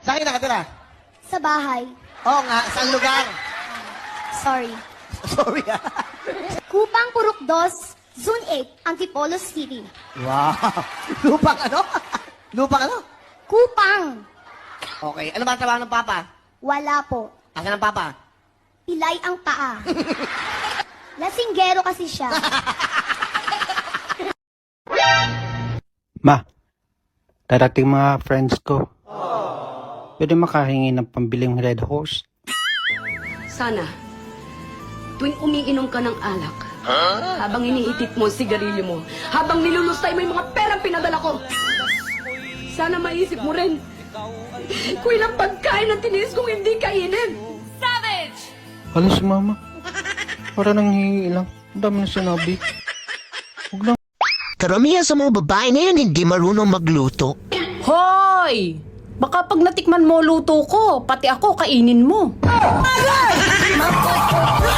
Saan kayo nakatira? Sa bahay. Oo nga, saan lugar? Sorry. Sorry ah. Kupang Purok 2, Zone 8, Antipolo City. Wow. Lupang ano? Lupang ano? Kupang. Okay. Ano ba ang trabaho ng papa? Wala po. Asan ang papa? Pilay ang paa. Lasinggero kasi siya. Ma, darating mga friends ko. Pwede makahingi ng pambiling Red Horse? Sana, tuwing umiinom ka ng alak, habang iniitit mo ang sigarilyo mo, habang nilulustay mo yung mga perang pinadala ko, sana maisip mo rin kung ilang pagkain ang tiniis kong hindi kainin. Savage! Hala si mama. Para nang hihingi lang. Ang dami na sinabi. Huwag lang. Karamihan sa mga babae na yan hindi marunong magluto. Hoy! Baka pag natikman mo luto ko, pati ako kainin mo.